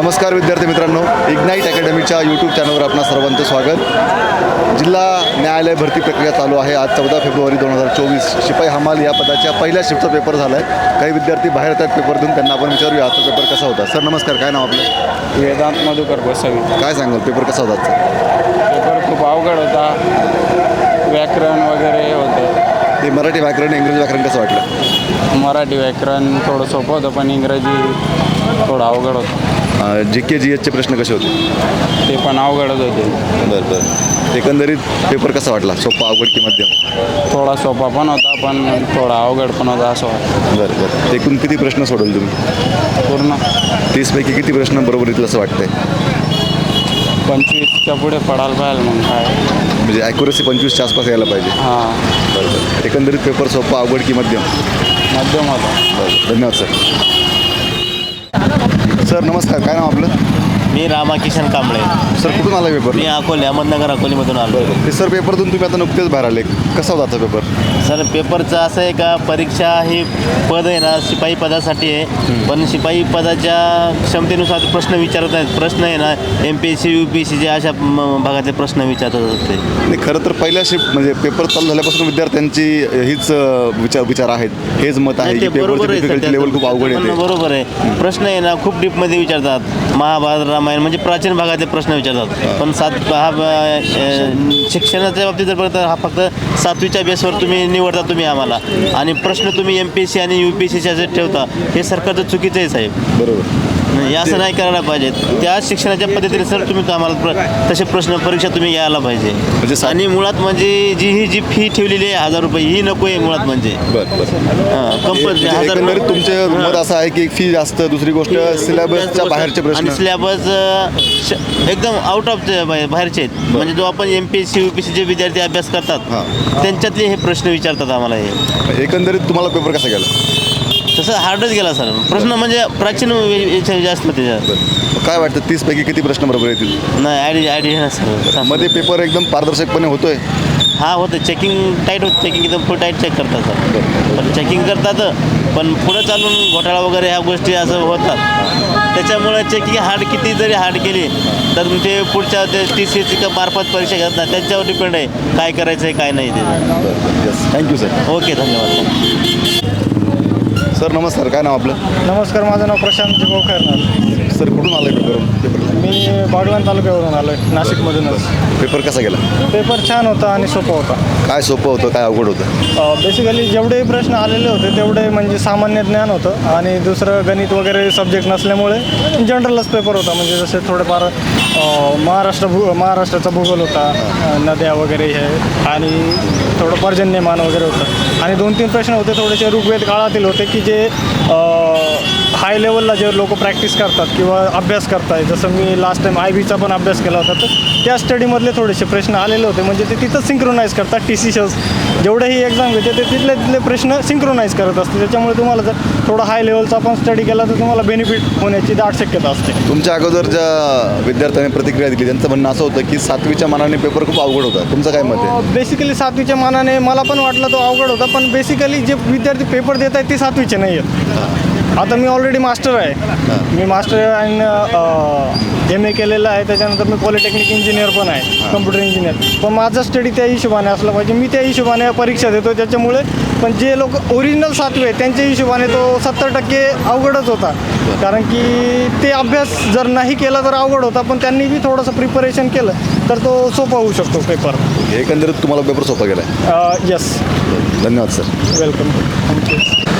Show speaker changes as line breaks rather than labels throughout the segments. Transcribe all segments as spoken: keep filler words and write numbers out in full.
नमस्कार विद्यार्थी मित्रांनो, इग्नाईट अकॅडमीच्या यूट्यूब चॅनलवर आपणा सर्वांचं स्वागत। जिल्हा न्यायालय भरती प्रक्रिया चालू आहे। आज चौदा फेब्रुवारी दोन हजार चोवीस शिपाई हमाल या पदाच्या पहिल्या शिफ्टचा पेपर झाला आहे। काही विद्यार्थी बाहेर येतात पेपर देऊन, त्यांना आपण विचारूया आजचा पेपर कसा होता। सर नमस्कार, काय नाव आपलं?
वेदांत मधुकर गोसावी।
काय सांगाल, पेपर कसा होता आजचा?
पेपर खूप अवघड होता, व्याकरण वगैरे होतं।
ते मराठी व्याकरण इंग्रजी व्याकरण कसं वाटलं?
मराठी व्याकरण थोडं सोपं होतं, पण इंग्रजी थोडं अवघड होतं।
जी के जी एचचे प्रश्न कसे होते?
ते पण अवघडच होते।
बरं बरं एकंदरीत पेपर कसा वाटला? सोपा, अवघड की मध्यम?
थोडा सोपा पण होता, पण थोडा अवघड पण होता असं वाटतं।
बरं बरं एकूण किती प्रश्न सोडवले तुम्ही?
पूर्ण
तीसपैकी किती प्रश्न बरोबर येतील असं वाटतंय?
पंचवीसच्या पुढे पडायला पाहिजे मग काय,
म्हणजे ॲक्युरसी पंचवीसच्या आसपास यायला पाहिजे।
हां
बरं बरं एकंदरीत पेपर सोपा, अवघड की मध्यम?
मध्यम होता।
बरं, धन्यवाद सर। सर नमस्कार, काय नाव आपलं?
मी रामाकिशन कांबळे।
सर कुठून आला पेपर?
मी अकोले, अहमदनगर अकोलीमधून आलो।
ते सर पेपरतून तुम्ही आता नुकतेच बाहेर आले, कसा होता आजचा पेपर?
सर पेपरचं असं आहे का, परीक्षा ही पद आहे ना शिपाई पदासाठी आहे, पण शिपाई पदाच्या क्षमतेनुसार प्रश्न विचारत आहेत। प्रश्न आहे ना M P S C U P S सीचे अशा म- भागातले प्रश्न विचारत असते।
नाही, खरं तर पहिल्या शिफ्ट म्हणजे पेपर चालू झाल्यापासून विद्यार्थ्यांची हीच अ, विचार विचार आहेत, हेच मत आहे
नाही,
की
ते बरोबर
पेपरची
आहे सर,
डिफिकल्टी लेवल खूप अवघड
पण
येते।
बरोबर आहे, प्रश्न आहे ना खूप डीपमध्ये विचारतात। महाभारत रामायण म्हणजे प्राचीन भागातले प्रश्न विचारतात, पण सात हा अ, शिक्षणाच्या बाबतीत जर बघता हा फक्त सातवीच्या बेसवर तुम्ही निवडता तुम्ही आम्हाला, आणि प्रश्न तुम्ही एम पी एस सी आणि यू पी एस सीच्या जे ठेवता हे सरकारचं चुकीचं आहे साहेब।
बरोबर,
हे असं नाही करायला पाहिजे। त्या शिक्षणाच्या पद्धतीने सर तुम्ही आम्हाला प्र तसे प्रश्न परीक्षा तुम्ही घ्यायला पाहिजे।
सा-
आणि मुळात म्हणजे जी ही जी फी ठेवलेली आहे हजार रुपये ही नको आहे मुळात म्हणजे
बरं बरं
कंपल्सरी
म्हणजे
हजार
एकंदरीत तुमचे मत असं आहे की फी जास्त, दुसरी गोष्ट सिलेबसच्या बाहेरचे
आणि
प्रश्न.
सिलेबस एकदम आउट ऑफ बाहेरचे आहेत, म्हणजे जो आपण M P S C U P S C जे विद्यार्थी अभ्यास करतात
हां.
त्यांच्यातले हे प्रश्न विचारतात आम्हाला। हे
एकंदरीत तुम्हाला पेपर कसा गेला?
तसं हार्डच गेला सर, प्रश्न म्हणजे प्राचीन याच्या जास्त त्याच्यात
काय वाटतं, तीस पैकी किती प्रश्न बरोबर येतील?
नाही आयडी आयडी ना सर।
मध्ये पेपर एकदम पारदर्शकपणे होतोय?
हा होतं, चेकिंग टाईट होतं, चेकिंग एकदम फुल टाईट चेक करतात सर, पण चेकिंग करतात, पण पुढं चालून घोटाळा वगैरे ह्या गोष्टी असं होतात। त्याच्यामुळे चेकिंग हार्ड किती जरी हार्ड केली तर ते पुढच्या ते टी सी एसची मार्फत परीक्षा घेतात ना, त्यांच्यावर डिपेंड आहे काय करायचं आहे काय नाही ते।
Yes, thank you sir.
ओके, धन्यवाद
सर नमस्कार, काय नाव आपलं?
नमस्कार, माझं नाव प्रशांत जिभाऊ खैरनार।
सर कुठून आलं पेपर पेपर
मी बागलाण तालुक्यावरून आलो आहे, नाशिकमधूनच।
पेपर कसा गेला?
पेपर छान होता आणि सोपा होता।
काय सोपं होतं, काय अवघड होतं?
बेसिकली जेवढे प्रश्न आलेले होते तेवढे म्हणजे सामान्य ज्ञान होतं, आणि दुसरं गणित वगैरे सब्जेक्ट नसल्यामुळे जनरलच पेपर होता। म्हणजे जसे थोडेफार अ, महाराष्ट्र भू महाराष्ट्राचा भूगोल होता, अ, नद्या वगैरे हे, आणि थोडं पर्जन्यमान वगैरे होतं। आणि दोन तीन प्रश्न होते थोडेसे ऋग्वेद काळातील होते, की जे हाय लेवलला जे लोक प्रॅक्टिस करतात किंवा अभ्यास करताय, जसं मी लास्ट टाईम आय बीचा पण अभ्यास केला होता, तर त्या स्टडीमधले थोडेसे प्रश्न आलेले होते। म्हणजे ते तिथंच सिंक्रोनाईज करतात, टी सी शोज जेवढेही एक्झाम घेते ते तिथले तिथले प्रश्न सिंक्रोनाईज करत असते। त्याच्यामुळे तुम्हाला जर थोडा हाय लेवलचा आपण स्टडी केला तर तुम्हाला बेनिफिट होण्याची दाट शक्यता असते।
तुमच्या अगोदर ज्या विद्यार्थ्यांनी प्रतिक्रिया दिली त्यांचं म्हणणं असं होतं की सातवीच्या मानाने पेपर खूप अवघड होता, तुमचं काय मत आहे?
बेसिकली सातवीच्या मानाने मला पण वाटलं तो अवघड होता, पण बेसिकली जे विद्यार्थी पेपर देत आहेत ते सातवीचे नाही आहेत। आता मी ऑलरेडी मास्टर आहे, मी मास्टर आणि एम ए केलेलं आहे, त्याच्यानंतर मी पॉलिटेक्निक इंजिनियर पण आहे, कम्प्युटर इंजिनियर। पण माझा स्टडी त्या हिशोबाने असला पाहिजे, मी त्या हिशोबाने परीक्षा देतो त्याच्यामुळे। पण जे लोक ओरिजिनल सातवे आहेत त्यांच्या हिशोबाने तो सत्तर टक्के अवघडच होता, कारण की ते अभ्यास जर नाही केला तर अवघड होता, पण त्यांनी बी थोडंसं प्रिपरेशन केलं तर तो सोपा होऊ शकतो पेपर।
एकंदरीत तुम्हाला पेपर सोपा गेला आहे?
यस,
धन्यवाद सर।
Welcome, thank you.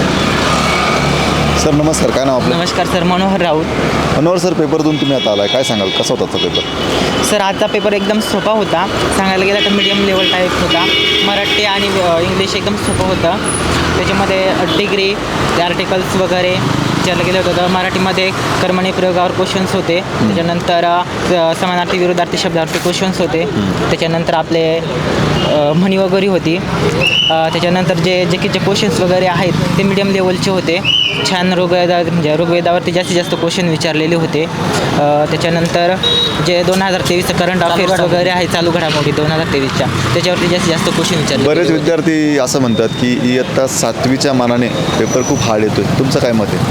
सर नमस्कार, काय नाव आपलं?
नमस्कार सर, मनोहर राऊत।
मनोहर सर, पेपरतून तुम्ही आता आलाय, काय सांगाल कसा होता आजचा पेपर?
सर आजचा पेपर एकदम सोपा होता, सांगायला गेलं तर मीडियम लेवल टाईप होता। मराठी आणि इंग्लिश एकदम सोपं होतं, त्याच्यामध्ये डिग्री ते आर्टिकल्स वगैरे विचारलं गेलं होतं। मराठीमध्ये कर्मणी प्रयोगावर क्वेश्चन्स होते, त्याच्यानंतर अ, समानार्थी विरोधार्थी शब्दार्थी क्वेश्चन्स होते, त्याच्यानंतर आपले अ, म्हणी वगैरे होती, अ, त्याच्यानंतर जे जे की जे क्वेश्चन्स वगैरे आहेत ते मीडियम लेवलचे होते। छान ऋग्वेदा म्हणजे ऋग्वेदावरती जास्तीत जास्त क्वेश्चन विचारलेले होते। अ, त्याच्यानंतर जे दोन हजार तेवीसचं करंट अफेअर्स वगैरे आहे, चालू घडामोडी दोन हजार तेवीसच्या, त्याच्यावरती जास्तीत जास्त क्वेश्चन विचारले।
बरेच विद्यार्थी असं म्हणतात की इयत्ता सातवीच्या मानाने पेपर खूप हार्ड येतोय, तुमचं काय मत आहे?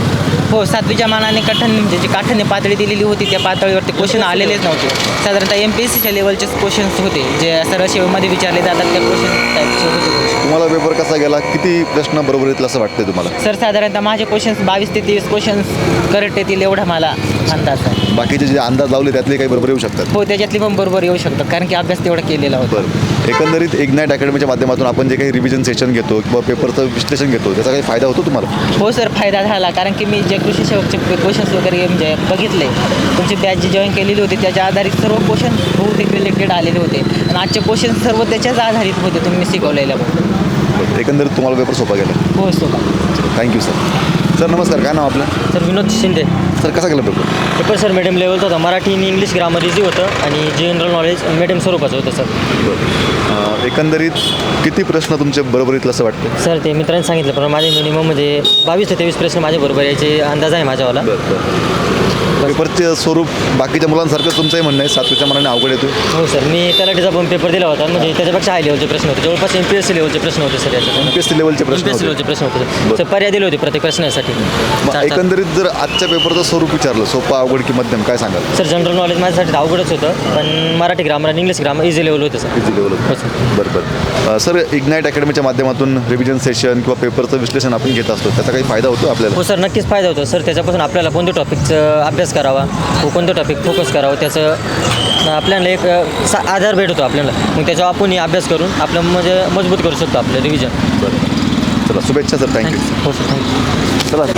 हो सातवीच्या मानाने कठीण म्हणजे जी काठीण्य पातळी दिलेली होती त्या पातळीवरती क्वेश्चन आलेलेच नव्हते. साधारणतः एम पी एस सीच्या लेवलचेच क्वेश्चन्स होते जे सरळ सेवेमध्ये विचारले जातात त्या क्वेश्चन टाईपचे होते question.
तुम्हाला पेपर कसा गेला, किती प्रश्न बरोबर येतील असं वाटतंय तुम्हाला?
सर साधारणतः माझे क्वेश्चन्स बावीस ते तेवीस क्वेश्चन्स करेक्ट येतील एवढा मला अंदाज आहे.
बाकीचे जे अंदाज लावले त्यातले काही बरोबर येऊ शकतात?
हो त्याच्यातली पण बरोबर येऊ शकतं कारण की अभ्यास तेवढा केलेला होता.
बरं, एकंदरीत इग्नाईट अकॅडमीच्या माध्यमातून आपण जे काही रिव्हिजन सेशन घेतो किंवा पेपरचं विश्लेषण घेतो त्याचा काही फायदा होतो तुम्हाला?
हो सर फायदा झाला कारण की मी जे कृषी सेवकचे क्वेश्चन्स वगैरे म्हणजे बघितले तुमची बॅच जी जॉईन केलेली होती त्याच्या आधारित सर्व क्वेश्चन बहुतेक रिलेटेड आलेले होते आणि आजचे क्वेश्चन सर्व त्याच्याच आधारित होते तुम्ही शिकवलेल्या.
बरं, एकंदरीत तुम्हाला पेपर सोपा गेला?
हो सोबा.
Thank you sir. सर नमस्कार, काय नाव आपलं?
सर विनोद शिंदे.
सर कसा गेला पेपर?
पेपर सर मीडियम लेवलचा होता. मराठी आणि इंग्लिश ग्रामर इझी होतं आणि जनरल नॉलेज मीडियम स्वरूपाचं होतं सर.
बरं, एकंदरीत किती प्रश्न तुमचे बरोबर येतील असं वाटतं?
सर ते मित्रांनी सांगितलं पण माझे मिनिमम म्हणजे बावीस ते तेवीस प्रश्न माझे बरोबर यायचे अंदाज आहे माझ्यावाला.
पेपरचे स्वरूप बाकीच्या मुलांसारखं तुमचंही म्हणणं आहे सातवीच्या मनाने अवघड येतो?
हो सर मी तलाठीचा पण पेपर दिला होता म्हणजे त्याच्यापेक्षा हाय लेवलचे प्रश्न होते. जवळपास एम पी एस सी लेवलचे प्रश्न होते सर याच्यात.
एम पी एस सी लेवलचे
एम
प्रश्न
पी एस सी
होते.
लेवलचे प्रश्न होते सर. पर्याय दिले होते प्रत्येक प्रश्नासाठी.
मग
चार- चार.
एकंदरीत जर आजच्या पेपरचं स्वरूप विचारलं सोपा, अवघड की मध्यम, काय सांगाल?
सर जनरल नॉलेज माझ्यासाठी अवघडच होतं पण मराठी ग्रामर आणि इंग्लिश ग्रामर इझी लेवल होतं सर.
इझी लेवल
हो सर.
बरं बरं. सर इग्नाईट अकॅडमीच्या माध्यमातून रिव्हिजन सेशन किंवा पेपरचं विश्लेषण आपण घेत असतो त्याचा काही फायदा होतो आपल्याला?
हो सर नक्कीच फायदा होतो सर. त्याच्यापासून आपल्याला कोणत्या टॉपिकचं अभ्यास करावा व कोणतं टॉपिक फोकस करावं त्याचं आपल्याला एक सा आधार भेटतो आपल्याला. मग त्याच्यावर आपण अभ्यास करून आपलं म्हणजे मजबूत करू शकतो आपलं रिव्हिजन.
बरं, चला शुभेच्छा सर. थँक्यू.
हो सर थँक्यू.
चला,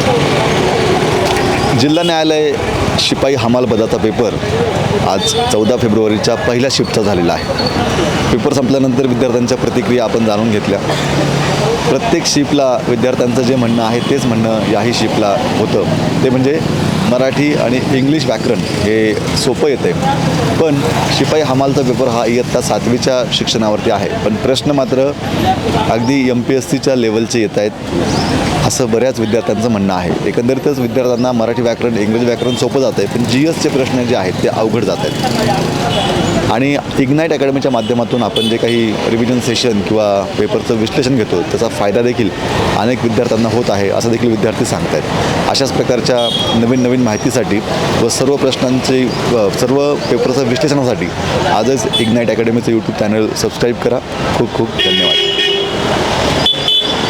जिल्हा न्यायालय शिपाई हमाल पदाचा पेपर आज चौदा फेब्रुवारीच्या पहिल्या शिफ्टचा झालेला आहे. पेपर संपल्यानंतर विद्यार्थ्यांच्या प्रतिक्रिया आपण जाणून घेतल्या. प्रत्येक शिफ्टला विद्यार्थ्यांचं जे म्हणणं आहे तेच म्हणणं याही शिफ्टला होतं, ते म्हणजे मराठी आणि इंग्लिश व्याकरण हे सोपं येते. पण शिपाई हमालचा पेपर हा इयत्ता सातवीच्या शिक्षणावरती आहे, पण प्रश्न मात्र अगदी एम पी एस सीच्या लेवलचे येत आहेत असं बऱ्याच विद्यार्थ्यांचं म्हणणं आहे. एकंदरीतच विद्यार्थ्यांना मराठी व्याकरण इंग्रजी व्याकरण सोपं जातं आहे, पण जी एसचे प्रश्न जे आहेत ते अवघड जात आहेत. आणि इग्नाईट अकॅडमीच्या माध्यमातून आपण जे काही रिव्हिजन सेशन किंवा पेपरचं विश्लेषण घेतो त्याचा फायदा देखील अनेक विद्यार्थ्यांना होत आहे असं देखील विद्यार्थी सांगत आहेत. अशाच प्रकारच्या नवीन नवीन माहितीसाठी व सर्व प्रश्नांचे सर्व पेपरचं विश्लेषणासाठी आजच इग्नाईट अकॅडमीचं यूट्यूब चॅनल सबस्क्राईब करा. खूप खूप धन्यवाद.